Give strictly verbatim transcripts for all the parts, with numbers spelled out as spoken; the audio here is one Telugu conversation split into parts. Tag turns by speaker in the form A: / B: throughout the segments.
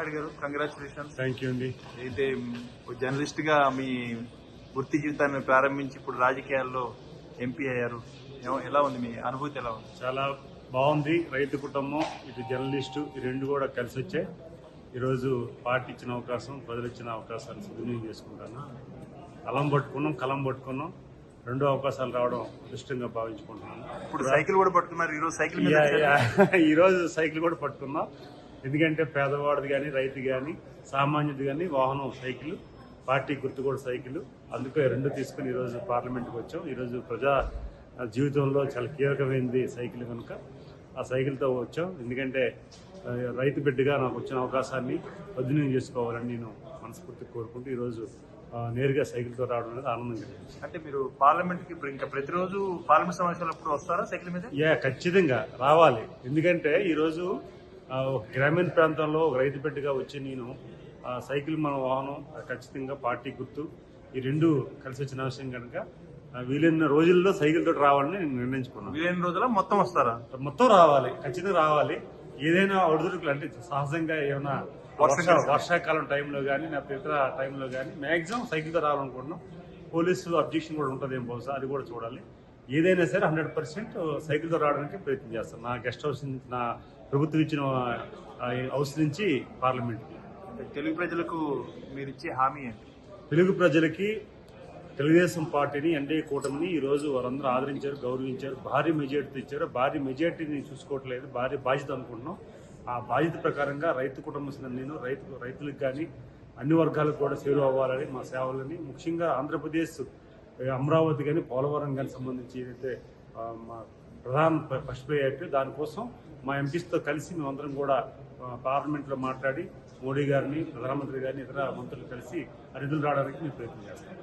A: నాయుడు గారు, కంగ్రాచులేషన్స్.
B: థ్యాంక్ యూ అండి.
A: అయితే జర్నలిస్ట్ గా మీ వృత్తి జీవితాన్ని ప్రారంభించి ఇప్పుడు రాజకీయాల్లో ఎంపీ అయ్యారు. ఎలా ఉంది మీ అనుభూతి? ఎలా ఉంది?
B: చాలా బాగుంది. రైతు కుటుంబం, ఇటు జర్నలిస్టు, ఈ రెండు కూడా కలిసి వచ్చాయి. ఈరోజు పార్టీ ఇచ్చిన అవకాశం, ప్రజలు ఇచ్చిన అవకాశాన్ని సద్వినియోగం చేసుకుంటాను. కలం పట్టుకున్నాం, కలం పట్టుకున్నాం. రెండు అవకాశాలు రావడం అదృష్టంగా భావించుకుంటున్నాను.
A: ఇప్పుడు సైకిల్ కూడా పట్టుకున్నారు. ఈరోజు సైకిల్
B: ఈ రోజు సైకిల్ కూడా పట్టుకున్నాం. ఎందుకంటే పేదవాడిది కానీ, రైతు కానీ, సామాన్యుది కానీ వాహనం సైకిల్, పార్టీ గుర్తు కూడా సైకిల్. అందుకే రెండు తీసుకుని ఈరోజు పార్లమెంట్కి వచ్చాం. ఈరోజు ప్రజా జీవితంలో చాలా కీలకమైనది సైకిల్ కనుక ఆ సైకిల్తో వచ్చాం. ఎందుకంటే రైతు బిడ్డగా నాకు వచ్చిన అవకాశాన్ని సద్వినియోగం చేసుకోవాలని నేను మనస్ఫూర్తిగా కోరుకుంటూ ఈరోజు నేరుగా సైకిల్తో రావడం అనేది ఆనందం కలిగింది.
A: అంటే మీరు పార్లమెంట్ కి ఇంకా ప్రతిరోజు పార్లమెంట్ సమావేశాలు అప్పుడు వస్తారా సైకిల్ మీద?
B: యా, ఖచ్చితంగా రావాలి. ఎందుకంటే ఈరోజు గ్రామీణ ప్రాంతంలో రైతు బిడ్డగా వచ్చి నేను సైకిల్ మన వాహనం ఖచ్చితంగా పార్టీ గుర్తు ఈ రెండు కలిసి వచ్చిన విషయం కనుక వీలైన రోజుల్లో సైకిల్ తోటి రావాలని నేను నిర్ణయించుకున్నాను.
A: వీలైన రోజుల్లో మొత్తం వస్తారా?
B: మొత్తం రావాలి, ఖచ్చితంగా రావాలి. ఏదైనా ఒడిదుడుకులు అంటే సహజంగా ఏమైనా వర్షాకాలం టైంలో కానీ లేకపోతే ఇతర టైంలో కానీ మ్యాక్సిమం సైకిల్తో రావాలనుకుంటున్నాం. పోలీసు అబ్జెక్షన్ కూడా ఉంటుంది ఏం బహుశా, అది కూడా చూడాలి. ఏదైనా సరే హండ్రెడ్ పర్సెంట్ సైకిల్తో రావడానికి ప్రయత్నం చేస్తాను. నా గెస్ట్ హౌస్ నా ప్రభుత్వం ఇచ్చిన హౌస్ నుంచి పార్లమెంట్కి.
A: తెలుగు ప్రజలకు మీరు ఇచ్చే హామీ ఏంటి?
B: తెలుగు ప్రజలకి తెలుగుదేశం పార్టీని, ఎన్డీఏ కూటమిని ఈరోజు వారందరూ ఆదరించారు, గౌరవించారు, భారీ మెజార్టీతో ఇచ్చారు. భారీ మెజార్టీని చూసుకోవట్లేదు, భారీ బాధ్యత అనుకుంటున్నాం. ఆ బాధ్యత ప్రకారంగా రైతు కుటుంబం నేను రైతు రైతులకు కానీ అన్ని వర్గాలకు కూడా సేవ అవ్వాలని మా సేవలని, ముఖ్యంగా ఆంధ్రప్రదేశ్ అమరావతి కానీ పోలవరం కానీ సంబంధించి ఏదైతే మా ప్రధాన ఫస్ట్ ప్రయారిటీ, దానికోసం మా ఎంపీస్తో కలిసి మేమందరం కూడా పార్లమెంట్లో మాట్లాడి మోడీ గారిని, ప్రధానమంత్రి గారిని, ఇతర మంత్రులు కలిసి ఆ నిధులు రావడానికి మేము ప్రయత్నం చేస్తాం.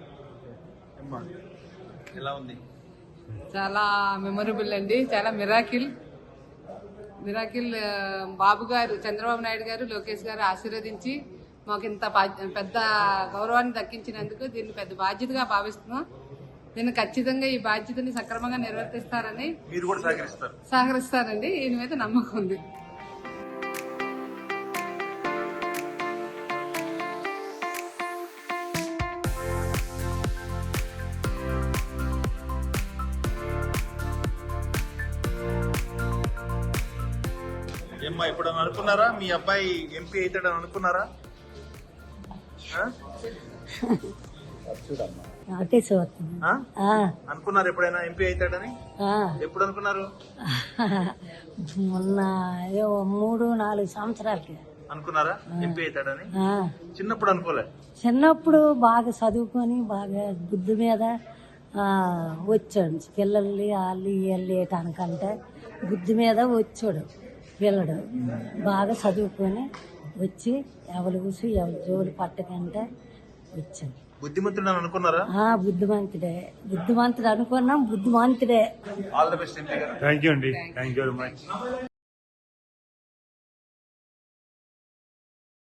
A: ఎలా ఉంది?
C: చాలా మెమొరబుల్ అండి, చాలా మిరాకిల్ మిరాకిల్ బాబు గారు, చంద్రబాబు నాయుడు గారు, లోకేష్ గారు ఆశీర్వదించి మాకు ఇంత పెద్ద గౌరవాన్ని దక్కించినందుకు దీన్ని పెద్ద బాధ్యతగా భావిస్తున్నాం. దీన్ని ఖచ్చితంగా ఈ బాధ్యతని సక్రమంగా నిర్వర్తిస్తారని
A: మీరు కూడా సహకరిస్తారు
C: సహకరిస్తారండి దీని మీద నమ్మకం ఉంది.
A: ఏమ్మా, ఇప్పుడు అనుకున్నారా మీ అబ్బాయి ఎంపీ అవుతాడని అనుకున్నారా? అనుకున్నారు ఎప్పుడైనా ఎంపీ అవుతాడని? ఎప్పుడు అనుకున్నారు?
D: మొన్న మూడు నాలుగు సంవత్సరాలకి
A: అనుకున్నారా ఎంపీ అవుతాడని? చిన్నప్పుడు అనుకోలే?
D: చిన్నప్పుడు బాగా చదువుకొని బాగా బుద్ధి మీద వచ్చాడు. పిల్లల్ని వాళ్ళు వీళ్ళు వేయటానికంటే బుద్ధి మీద వచ్చాడు పిల్లడు. బాగా చదువుకొని వచ్చి ఎవరు కూసి ఎవరు జోలు పట్టకంటే వచ్చాడు.
A: బుద్ధిమంతుడు అనుకున్నారా?
D: బుద్ధిమంతుడే, బుద్ధిమంతుడు అనుకున్నాం, బుద్ధిమంతుడే.
A: All the best.
B: Thank you అండి, థ్యాంక్ యూ వెరీ మచ్.